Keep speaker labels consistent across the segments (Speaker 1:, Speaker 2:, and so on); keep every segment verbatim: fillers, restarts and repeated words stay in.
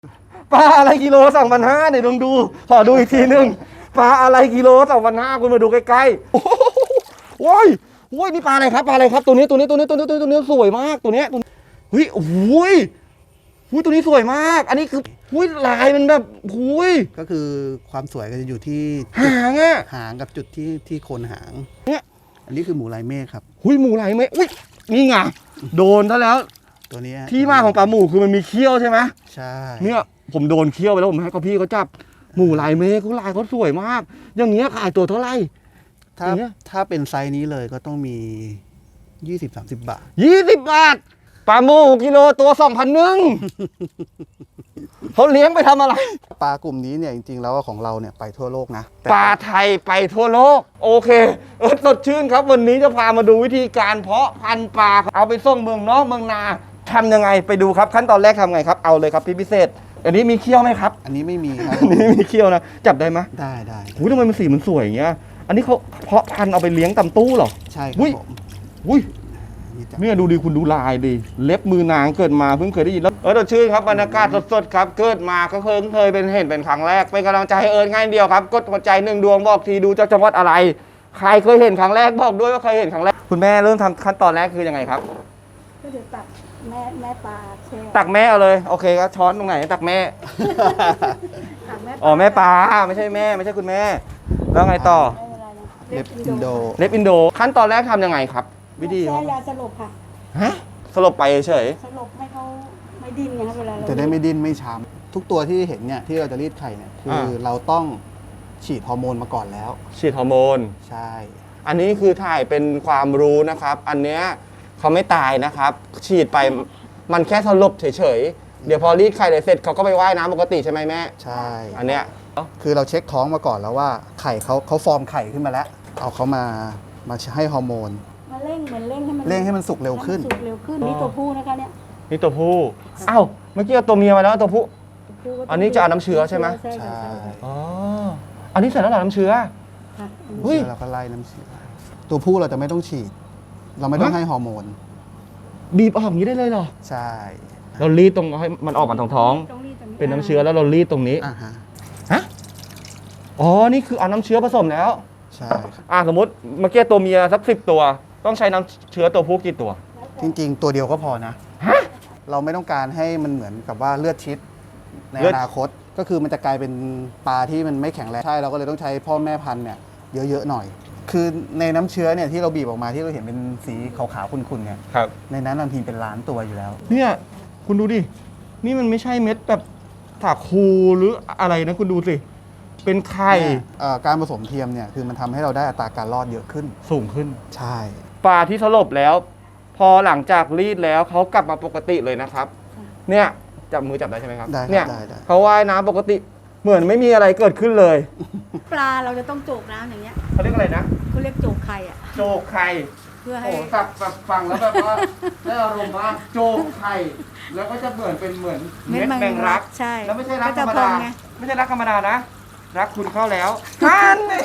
Speaker 1: ปลาอะไรกิโลสองพันห้าเนี่ยลองดูขอดูอีกทีนึงปลาอะไรกิโลสองพันห้าคุณมาดูใกล้ๆโอ้โหโอ้ยโอ้ยนี่ปลาอะไรครับปลาอะไรครับตัวนี้ตัวนี้ตัวนี้ตัวนี้ตัวนี้สวยมากตัวนี้ตัวเฮ้ยโอ้โหหุ้ยตัวนี้สวยมาก อันนี้คือหุ้ยลายมันแบบหุ้ย
Speaker 2: ก็คือความสวยก็จะอยู่ที่
Speaker 1: หางอะ
Speaker 2: หางกับจุดที่ที่โคนหาง
Speaker 1: เนี่ย
Speaker 2: อันนี้คือหมูลายเมฆครับ
Speaker 1: หุ้ยหมูลายเมฆอุ้ยนี่ไงโดนซะแล้ว
Speaker 2: ตัวนี้
Speaker 1: ที่มาของปลาหมูคือมันมีเขี้ยวใช่ไหม
Speaker 2: ใช่
Speaker 1: เนี่ยผมโดนเขี้ยวไปแล้วผมให้เขาพี่เขาจับหมูลายเมฆเขาลายเขาสวยมากอย่างเงี้ยขายตัวเท่าไหร่
Speaker 2: ถ้าถ้าเป็นไซส์นี้เลยก็ต้องมี ยี่สิบถึงสามสิบ บาท
Speaker 1: ยี่สิบบาทปลาหมูกิโลตัวสองพันหนึ่งเขาเลี้ยงไปทำอะไร
Speaker 2: ปลากลุ่มนี้เนี่ยจริงๆแล้วของเราเนี่ยไปทั่วโลกนะ
Speaker 1: ปลาไทยไปทั่วโลกโอเคเออสดชื่นครับวันนี้จะพามาดูวิธีการเพาะพันธุ์ปลาเอาไปส่งเมืองนอกเมืองนาทำยังไงไปดูครับขั้นตอนแรกทำไงครับเอาเลยครับพี่พิเศษอันนี้มีเขี้ยวไหมครับ
Speaker 2: อันนี้ไม่มีครับ
Speaker 1: อันนี้มีเขี้ยวนะจับได้ไหม
Speaker 2: ได้ได้
Speaker 1: อุ้ยทำไมมันสีมันสวยอย่างเงี้ยอันนี้เขาเพาะพันธุ์เอาไปเลี้ยงตำตู้เหรอ
Speaker 2: ใช่ครับผม
Speaker 1: อุ้ยเนี่ยดูดิคุณดูลายดิเล็บมือนางเกิดมาเพิ่งเคยได้ยินแล้วเออชื่นครับบรรยากาศสดๆครับเกิดมาก็เพิ่งเคยเป็นเห็นเป็นครั้งแรกเป็นกำลังใจให้เอิญง่ายเดียวครับกดหัวใจหนึ่งดวงบอกทีดูจากจังหวัดอะไรใครเคยเห็นครั้งแรกบอกด้วยว่าเคยเห็นครั้งแรกคุณแม่เริ่มทำขั้นตอนแรกคือยังไงครับ
Speaker 3: ก็เดี๋ยวตักแม่แม่ปลาแช่
Speaker 1: ตักแม่เอาเลยโอเคก็ช้อนตรงไหนตักแม่
Speaker 3: ตักแม่
Speaker 1: อ๋อแม่ปลาไม่ใช่แม่ไม่ใช่คุณแม่แล้วไงต่อ
Speaker 2: เล็บอินโด
Speaker 1: เล็บอินโดขั้นตอนแรกทำยังไงครับวิธี
Speaker 3: แช่ยาสลบค่ะ
Speaker 1: ฮะสลบไปเฉย
Speaker 3: สลบให้เขาไม่ดิ้นไงครับเวลาเรา
Speaker 2: จะได้ไม่ดิ้นไม่ช้ำทุกตัวที่เห็นเนี่ยที่เราจะรีดไข่เนี่ยคือเราต้องฉีดฮอร์โมนมาก่อนแล้ว
Speaker 1: ฉีดฮอร์โมน
Speaker 2: ใช่
Speaker 1: อันนี้คือถ่ายเป็นความรู้นะครับอันเนี้ยเขาไม่ตายนะครับฉีดไปมันแค่สลบเฉยๆเดี๋ยวพอรีดไข่เสร็จเขาก็ไปว่ายน้ำปกติใช่ไหมแม่
Speaker 2: ใช่
Speaker 1: อันเนี้ย
Speaker 2: คือเราเช็คท้องมาก่อนแล้วว่าไข่เขาเขาฟอร์มไข่ขึ้นมาแล้วเอาเขามามาให้ฮอร์โมน
Speaker 3: มาเร่งเหมือนเร่งให้มัน
Speaker 2: เร่งให้มันสุกเร็วขึ้น
Speaker 3: สุกเร็วขึ้นนี่ตัวผู้นะคะเนี่ย
Speaker 1: นี่ตัวผู้อ้าวเมื่อกี้เอาตัวเมียมาแล้วตัวผู้อันนี้จะเอาน้ำเชื้อใช่ไหม
Speaker 2: ใช่
Speaker 1: อ๋ออันนี้เสร็จแล้วเหรอน้ำเชื้อ
Speaker 2: เฮ้ยเราก็ไล่น้ำเชื้อตัวผู้เราจะไม่ต้องฉีดเราไม่ต้องให้ฮอร์โมน
Speaker 1: บีบออกอย่างนี้ได้เลยเหรอ
Speaker 2: ใช่
Speaker 1: เรารีดตรงให้มันออกมาทางท้องเป็นน้ำเชื้อแล้วเรารีดตรงนี้
Speaker 2: อ่าฮะ
Speaker 1: ฮะอ๋อนี่คือเอาน้ำเชื้อผสมแล้ว
Speaker 2: ใช่
Speaker 1: อ่าสมมติเมื่อกี้ตัวเมียสักสิบตัวต้องใช้น้ำเชื้อตัวผู้กี่ตัว
Speaker 2: จริงๆตัวเดียวก็พอนะ
Speaker 1: ฮะ
Speaker 2: เราไม่ต้องการให้มันเหมือนกับว่าเลือดชิดในอนาคตก็คือมันจะกลายเป็นปลาที่มันไม่แข็งแรงใช่เราก็เลยต้องใช้พ่อแม่พันธุ์เนี่ยเยอะๆหน่อยคือในน้ำเชื้อเนี่ยที่เราบีบออกมาที่เราเห็นเป็นสีขาวๆขุ่นๆเนี่ย
Speaker 1: ครับ
Speaker 2: ในนั้นบางทีเป็นล้านตัวอยู่แล้ว
Speaker 1: เนี่ยคุณดูดินี่มันไม่ใช่เม็ดแบบถาคูหรืออะไรนะคุณดูสิเป็นไข่
Speaker 2: การผสมเทียมเนี่ยคือมันทำให้เราได้อัตราการรอดเยอะขึ้น
Speaker 1: สูงขึ้น
Speaker 2: ใช่
Speaker 1: ปลาที่สลบแล้วพอหลังจากรีดแล้วเขากลับมาปกติเลยนะครับเนี่ยจับมือจับได้ใช่ไหมครับเนี่ยเขาว่ายน้ำปกติเหมือนไม่มีอะไรเกิดขึ้นเลย
Speaker 3: ปลาเราจะต้องโจกน้ำอย่างเงี้ย
Speaker 1: เขาเรียกอะไรนะ
Speaker 3: เขาเรียกโจกไข่อะ
Speaker 1: โจกไข่
Speaker 3: เพื่อให้
Speaker 1: โอ้สับแบบฟังแล้วแบบว่าได้อารมณ์มากโจกไข่แล้วก็จะเหมือนเป็นเหมือนเม็ดแมงรัก
Speaker 3: ใช่
Speaker 1: แล้วไม่ใช่รักธรรมดาไม่ใช่รักธรรมดานะรักคุณเข้าแล้วท่านนี่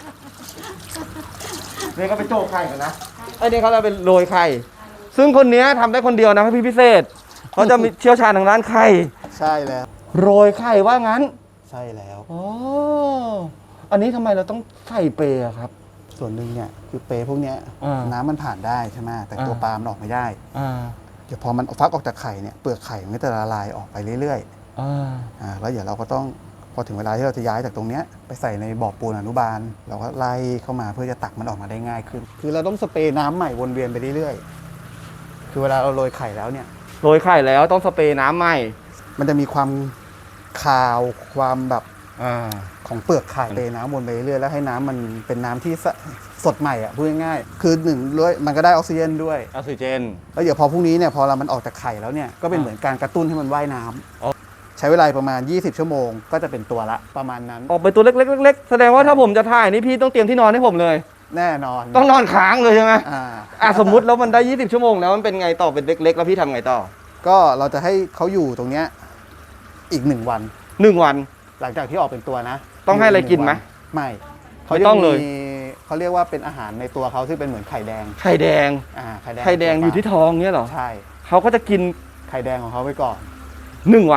Speaker 1: เนี่ยก็ไปโจกไข่กันนะไอ้นี่เขาจะเป็นโรยไข่ซึ่งคนนี้ทำได้คนเดียวนะพี่พิเศษเขาจะมีเชี่ยวชาญทางด้านไข่
Speaker 2: ใช่แล้ว
Speaker 1: โรยไข่ว่างั้น
Speaker 2: ใช่แล้ว
Speaker 1: อ๋ออันนี้ทำไมเราต้องใส่เปย์ครับ
Speaker 2: ส่วนหนึ่งเนี่ยคือเปย์พวกนี้น้ำมันผ่านได้ใช่ไหมแต่ตัวปลามันออกไม่ได้เดี๋ยวพอมันฟักออกจากไข่เนี่ยเปลือกไข่มันก็จะละลายออกไปเรื่อยๆอ่าแล้วเดี๋ยวเราก็ต้องพอถึงเวลาที่เราจะย้ายจากตรงเนี้ยไปใส่ในบ่อปูนอนุบาลเราก็ไล่เข้ามาเพื่อจะตักมันออกมาได้ง่ายขึ้นคือเราต้องสเปรย์น้ำใหม่วนเวียนไปเรื่อยๆคือเวลาเราโรยไข่แล้วเนี่ย
Speaker 1: โรยไข่แล้วต้องสเปรย์น้ำใหม่
Speaker 2: มันจะมีความคาวความแบบของเปลือกไข่เทน้ำวนไปเรื่อยแล้วให้น้ำมันเป็นน้ำที่สดใหม่อ่ะพูดง่ายๆคือหนึ่งด้วยมันก็ได้ออกซิเจนด้วย
Speaker 1: ออกซิเจน
Speaker 2: แล้วเดี๋ยวพอพรุ่งนี้เนี่ยพอเรามันออกจากไข่แล้วเนี่ยก็เป็นเหมือนการกระตุ้นให้มันว่ายน้ำใช้เวลาประมาณยี่สิบชั่วโมงก็จะเป็นตัวละประมาณนั้น
Speaker 1: ออกไปตัวเล็กๆๆแสดงว่าถ้าผมจะถ่ายนี่พี่ต้องเตรียมที่นอนให้ผมเลย
Speaker 2: แน่นอน
Speaker 1: ต้องนอนค้างเลยใช่ไหมอ่าสมมุติแล้วมันได้ยี่สิบชั่วโมงแล้วมันเป็นไงต่อเป็นเล็กๆแล้วพี่ทำไงต่อ
Speaker 2: ก็เราจะให้เขาอยู่ตรงเนี้ยอีกหนึ่งวัน
Speaker 1: หนึ่งวัน
Speaker 2: หลังจากที่ออกเป็นตัวนะ
Speaker 1: ต้องให้อะไรกินไหม
Speaker 2: ไม่เขาต้องเลยเขาเรียกว่าเป็นอาหารในตัวเขาที่เป็นเหมือนไข่แดง
Speaker 1: ไข่แดง
Speaker 2: อ่าไข่แดง
Speaker 1: ไข่แดงอยู่ที่ท้องเนี้ยเหรอ
Speaker 2: ใช่
Speaker 1: เขาก็จะกิน
Speaker 2: ไข่แดงของเขาไปก่อน
Speaker 1: หนึ่งวัน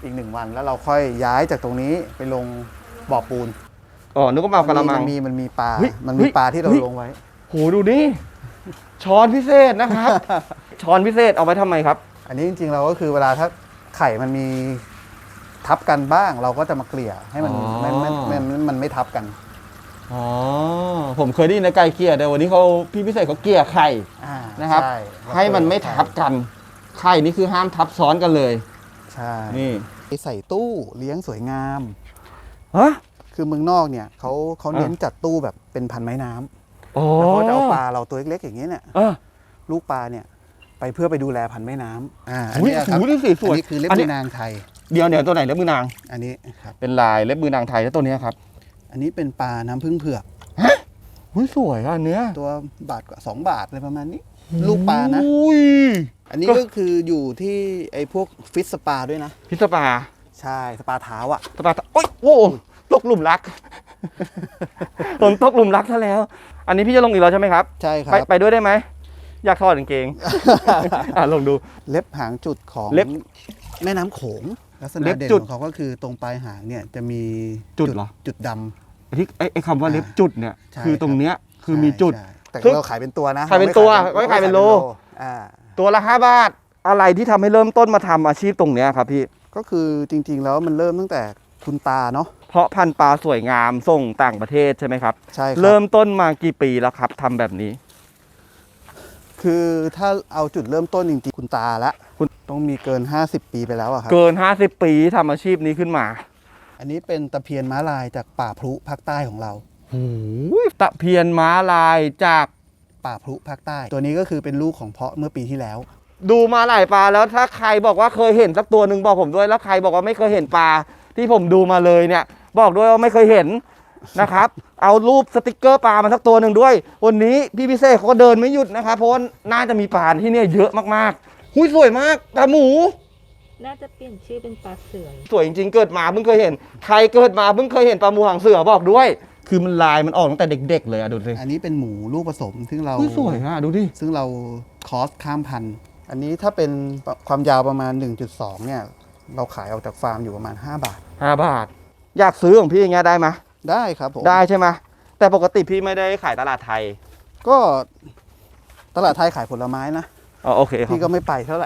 Speaker 2: อีกหนึ่งวันแล้วเราค่อยย้ายจากตรงนี้ไปลงบ่อปูน
Speaker 1: อ๋อนึกว่ามาเอากะละมั
Speaker 2: มั
Speaker 1: ง
Speaker 2: นมีมันมีปลา
Speaker 1: เฮ้ย
Speaker 2: มันมี
Speaker 1: เฮ้ย
Speaker 2: ปลาที่เรา
Speaker 1: เฮ้ย
Speaker 2: ลงไว้
Speaker 1: โหดูนี่ช้อนพิเศษนะครับ ช้อนพิเศษเอาไว้ทำไมครับ
Speaker 2: อันนี้จริงๆเราก็คือเวลาถ้าไข่มันมีทับกันบ้าง เราก็จะมาเกลี่ยให้มัน
Speaker 1: อ๋อ
Speaker 2: ไม่ไม่ไม่ไม่มันไม่ทับกัน
Speaker 1: อ๋อผมเคยได้ยินนะไก่เกลี่ยแต่วันนี้เขาพี่พิเศษเขาเกลี่ยไข่
Speaker 2: อ่า
Speaker 1: นะครับ
Speaker 2: ใช่
Speaker 1: ให้มันไม่ทับกันไข่นี่คือห้ามทับซ้อนกันเลย
Speaker 2: ใช่
Speaker 1: นี่
Speaker 2: ใส่ตู้เลี้ยงสวยงาม
Speaker 1: ฮะ
Speaker 2: คือเมืองนอกเนี่ยเขาเขาเน้น
Speaker 1: อ่า
Speaker 2: จัดตู้แบบเป็นพันไม้น้ำ
Speaker 1: อ๋อ
Speaker 2: แล้วเขาจะเอาปลาเราตัวเล็กๆอย่างนี้เนี่ย
Speaker 1: เออ
Speaker 2: ลูกปลาเนี่ยไปเพื่อไปดูแลพันไม้น้ำอ่าอัน
Speaker 1: อุ้ย
Speaker 2: นี้ครับ
Speaker 1: หูนี่สีสวย
Speaker 2: อันนี้คือเล็บ
Speaker 1: อัน
Speaker 2: มื
Speaker 1: นี้
Speaker 2: อนางไทย
Speaker 1: เดี๋ยวเดี๋ยวตัวไหนเล็บมือนาง
Speaker 2: อันนี้ครับ
Speaker 1: เป็นลายเล็บมือนางไทยแล้วตัวเนี้ยครับ
Speaker 2: อันนี้เป็นปลาน้ำผึ้งเผือก
Speaker 1: หุ้ยสวยอ่ะอันเนื้อ
Speaker 2: ตัวบาทกว่าสองบาทอะไรประมาณนี้ ลูกปลานะ
Speaker 1: อุ้ย
Speaker 2: อันนี้ก็คืออยู่ที่ไอ้พวกฟิตสปาด้วยนะ
Speaker 1: พิซซ่าปลา
Speaker 2: ใช่สปาเท้าอ่ะ
Speaker 1: สปาโอ้ยโอ้ตกหลุมรัก ผมตกหลุมรักซะแล้ว อันนี้พี่จะลงอีกแล้วใช่ไหมครับ
Speaker 2: ใช่ครั
Speaker 1: ไป
Speaker 2: บ
Speaker 1: ไปด้วยได้ไหมอยากถอดกางเกง อ่ะลองดู
Speaker 2: เล็บหางจุดของ
Speaker 1: เล็บ
Speaker 2: แม่น้ำโขงลักษณะ
Speaker 1: เล็บ
Speaker 2: เด่น
Speaker 1: จุด
Speaker 2: ของเขาก็คือตรงปลายหางเนี่ยจะมี
Speaker 1: จุดเหรอ
Speaker 2: จุดดำ
Speaker 1: ไอ้ที่ไอ้ไอ้คำว่าเล็บจุดเนี่ย
Speaker 2: ใช่
Speaker 1: คือตรงเนี้ยคือ
Speaker 2: ใช่
Speaker 1: มีจุด
Speaker 2: ใช่แต่
Speaker 1: ซึ่ง
Speaker 2: เราขายเป็นตัวนะ
Speaker 1: ขายเป็นตัว
Speaker 2: ร
Speaker 1: ไม่ขายเป็นโล
Speaker 2: อ่า
Speaker 1: ตัวละห้าบาทอะไรที่ทำให้เริ่มต้นมาทำอาชีพตรงเนี้ยครับพี่
Speaker 2: ก็คือจริงๆแล้วมันเริ่มตั้งแต่คุณตาเนาะ
Speaker 1: เพราะพันธุ์ปลาสวยงามส่งต่างประเทศใช่ไหมครับ
Speaker 2: ใช่ครั
Speaker 1: เริ่มต้นมากี่ปีแล้วครับทำแบบนี้
Speaker 2: คือถ้าเอาจุดเริ่มต้นจริงๆคุณตาละ
Speaker 1: คุณ
Speaker 2: ต้องมีเกิน ห้าสิบ ปีไปแล้วอะครับ
Speaker 1: เกินห้าสิบปีทำอาชีพนี้ขึ้นมา
Speaker 2: อันนี้เป็นตะเพียนม้าลายจากป่าพลุภาคใต้ของเรา
Speaker 1: โอ้ยตะเพียนม้าลายจาก
Speaker 2: ป่าพลุภาคใต้ ตัวนี้ก็คือเป็นลูกของเพาะเมื่อปีที่แล้ว
Speaker 1: ดูมาหลายปลาแล้วถ้าใครบอกว่าเคยเห็นสักตัวหนึ่งบอกผมด้วยแล้วใครบอกว่าไม่เคยเห็นปลาที่ผมดูมาเลยเนี่ย บอกด้วยว่าไม่เคยเห็นนะครับ เอารูปสติกเกอร์ปลามาสักตัวหนึ่งด้วย วันนี้พี่พิเศษเขาก็เดินไม่หยุดนะครับเพราะว่าน่าจะมีปลาที่เนี่ยเยอะมากๆหุ้ยสวยมากปลาหมู
Speaker 3: น่าจะเปลี่ยนชื่อเป็นปลาเสือ
Speaker 1: สวยจริงๆเกิดมาเพิ่งเคยเห็นใครเกิดมาเพิ่งเคยเห็นปลาหมูหางเสือบอกด้วย คือมันลายมันออกตั้งแต่เด็ก ๆ เลยอะดูสิ
Speaker 2: อันนี้เป็นหมูลูกผสมซึ่งเรา
Speaker 1: หุ้ยสวยอะดูดิ
Speaker 2: ซึ่งเราคอสข้ามพันธุ์ อันนี้ถ้าเป็นความยาวประมาณ หนึ่งจุดสอง เนี่ย เราขายออกจากฟาร์มอยู่ประมาณ ห้า บาท
Speaker 1: ห้าบาท อยากซื้อของพี่อย่างเงี้ยได้ไหม
Speaker 2: ได้ครับผม
Speaker 1: ได้ใช่ไหมแต่ปกติพี่ไม่ได้ขายตลาดไทย
Speaker 2: ก็ตลาดไทยขายผลไม้นะ
Speaker 1: อ๋อโอเคครับ
Speaker 2: พี่ก็ไม่ไปเท่าไหร่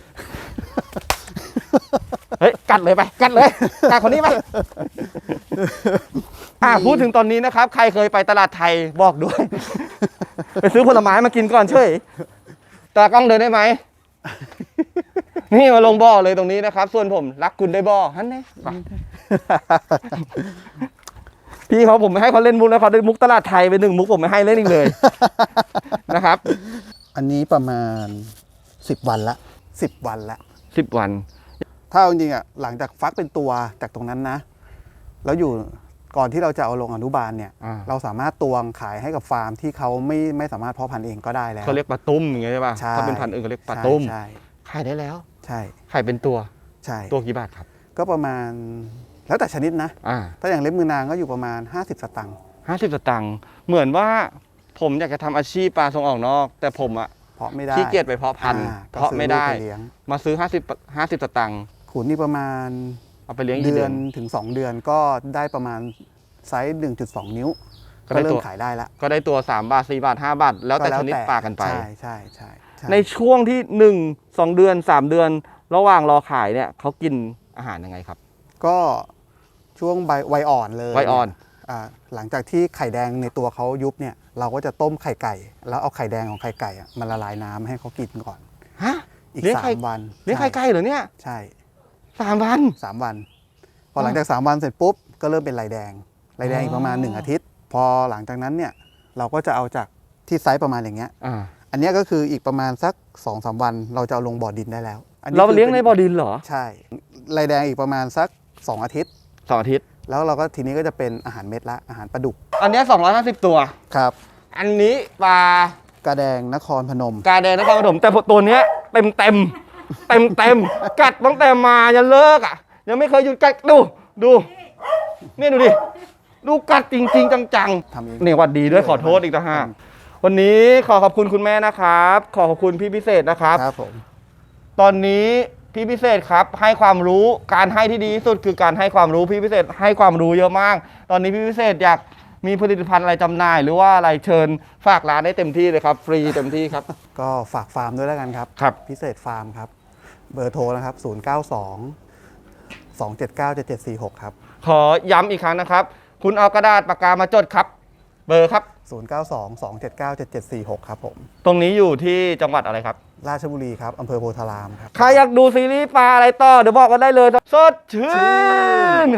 Speaker 1: เฮ้ยกัดเลยไปกัดเลยกัดคนนี้ไปอ่ะพูดถึงตอนนี้นะครับ ใครเคยไปตลาดไทยบอกด้วย ไปซื้อผลไม้มากินก่อนเฉยตากล้องเดินได้ไหม นี่มาลงบ่อเลยตรงนี้นะครับ ส่วนผมรักคุณได้บ่อฮันนี่ไปพี่เขาผมไม่ให้เขาเล่นมุกแล้วเขาได้มุกตลาดไทยไปหนึ่งมุกผมไม่ให้เล่นอีกเลย นะครับ
Speaker 2: อันนี้ประมาณ สิบ วันละ สิบ วันละ
Speaker 1: สิบวัน
Speaker 2: ถ้าเอาจริงๆอ่ะหลังจากฟักเป็นตัวจากตรงนั้นนะ แล้วอยู่ก่อนที่เราจะเอาลงอนุบาลเนี่ย
Speaker 1: อ่า
Speaker 2: เราสามารถตวงขายให้กับฟาร์มที่เขาไม่ไม่สามารถเพาะพันธุ์เองก็ได้แล้ว
Speaker 1: เขาเรียกปลาตุ้มอย่างเงี้ยใช่ป่ะ
Speaker 2: ใช่
Speaker 1: ถ้าเป็นพันธุ์อื่นเขาเรียกปลาตุ้ม
Speaker 2: ใช่
Speaker 1: ขายได้แล้ว
Speaker 2: ใช่
Speaker 1: ขายเป็นตัว
Speaker 2: ใช่
Speaker 1: ตัวกี่บาทครับ
Speaker 2: ก็ประมาณแล้วแต่ชนิดนะ
Speaker 1: อ่า
Speaker 2: ถ้าอย่างเล็บมือนางก็อยู่ประมาณ ห้าสิบ สตางค์
Speaker 1: ห้าสิบสตางค์เหมือนว่าผมอยากจะทำอาชีพปลาส่งออกนอก แต่ผมอะ
Speaker 2: เพาะไม่ได้
Speaker 1: ขี้เกียจไปเพาะพันธุ์
Speaker 2: อ่าก็
Speaker 1: เพาะ
Speaker 2: ซื้อ
Speaker 1: ไม่ได้
Speaker 2: ลูกปเลี้ยง
Speaker 1: มาซื้อห้าสิบห้าสิบสตางค์
Speaker 2: ขุนนี่ประมาณ
Speaker 1: เอาไปเลี้ยงอีก
Speaker 2: เดื
Speaker 1: เดื
Speaker 2: อ
Speaker 1: อน น
Speaker 2: ถึง สอง เดือนก็ได้ประมาณไซส์ หนึ่งจุดสอง นิ้ว
Speaker 1: ก็
Speaker 2: ก็
Speaker 1: ได้
Speaker 2: เริ่
Speaker 1: ตั
Speaker 2: ม
Speaker 1: ว
Speaker 2: ขายได้ละ
Speaker 1: ก็ได้ตัวสามบาทสี่บาทห้าบาทแล้วแต่ชนิดปลากันไป
Speaker 2: ใช่ใช่ใช่ใช่
Speaker 1: ในช่วงที่หนึ่งสองเดือนสามเดือน ระหว่างรอขายเนี่ยเขากินอาหารยังไงครับ
Speaker 2: ก็ช่วงใบวัยอ่อนเลย
Speaker 1: วัยอ่อน
Speaker 2: อ่าหลังจากที่ไข่แดงในตัวเขายุบเนี่ย เราก็จะต้มไข่ไก่ แล้วเอาไข่แดงของไข่ไก่อะมันละลายน้ำให้เขากินก่อน
Speaker 1: ฮะ
Speaker 2: อีก
Speaker 1: เลี้ยง
Speaker 2: สา
Speaker 1: ไข่
Speaker 2: มวัน
Speaker 1: เลี้ยงไข่ไก่เหรอเนี่ย
Speaker 2: ใช่
Speaker 1: สามวัน
Speaker 2: สามวัน พอหลังจากสามวันเสร็จปุ๊บก็เริ่มเป็นลายแดงลายแดงอีกประมาณหนึ่งอาทิตย์ พอหลังจากนั้นเนี่ยเราก็จะเอาจากที่ไซส์ประมาณอย่างเงี้ย
Speaker 1: อ่า
Speaker 2: อันเนี้ยก็คืออีกประมาณสัก สองสาม วันเราจะเอาลงบ่อดินได้แล้วอันนี้
Speaker 1: เรา
Speaker 2: คือ
Speaker 1: เลี้ยงในบ่อดินเหรอ
Speaker 2: ใช่ลายแดงอีกประมาณสักสองอาทิตย์
Speaker 1: สองอาทิตย์
Speaker 2: แล้วเราก็ทีนี้ก็จะเป็นอาหารเม็ดละอาหารปลาดุก
Speaker 1: อันเนี้สองร้อยห้าสิบตัว
Speaker 2: ครับ
Speaker 1: อันนี้ปลา
Speaker 2: กระแดงนครพนม
Speaker 1: กาแดงนครปฐมแต่ตัวเนี้ยเต็มเต็มเต็มเต็มๆกัดตั้งแต่มายันเลิกอ่ะ ยังไม่เคยหยุดกัดดูดูเนี่ยดูดิดูกัดจริง ๆ จัง
Speaker 2: ทำเอง
Speaker 1: ๆเนี่ยหวัดดีด้วยขอโทษอีกต่างหากวันนี้ขอขอบคุณคุณแม่นะครับ ขอขอบคุณพี่พิเศษนะครับ
Speaker 2: ครับผม
Speaker 1: ตอนนี้พี่พิเศษครับให้ความรู้การให้ที่ดีที่สุดคือการให้ความรู้พี่พิเศษให้ความรู้เยอะมาก ตอนนี้พี่พิเศษอยากมีผลิตภัณฑ์อะไรจำหน่าย หรือว่าอะไรเชิญฝากร้านได้เต็มที่เลยครับฟรีเต็มที่ครับ
Speaker 2: ก็ฝากฟาร์มด้วยแล้วกันครับ
Speaker 1: ครับ
Speaker 2: พิเศษฟาร์มครับ เบอร์โทรนะครับ ศูนย์ เก้า สอง สอง เจ็ด เก้า เจ็ด เจ็ด สี่ หก ครับ
Speaker 1: ขอย้ำอีกครั้งนะครับ คุณเอากระดาษปากกามาจดครับ เบอร์ครับ
Speaker 2: ศูนย์ เก้า สอง สอง เจ็ด เก้า เจ็ด เจ็ด สี่ หก ครับผม
Speaker 1: ตรงนี้อยู่ที่จังหวัดอะไรครับ
Speaker 2: ราชบุรีครับอำเภอโพธารามครับ
Speaker 1: ใครอยากดูซีรีส์ปลาอะไรต่อเดี๋ยวบอกกันได้เลยสดชื่น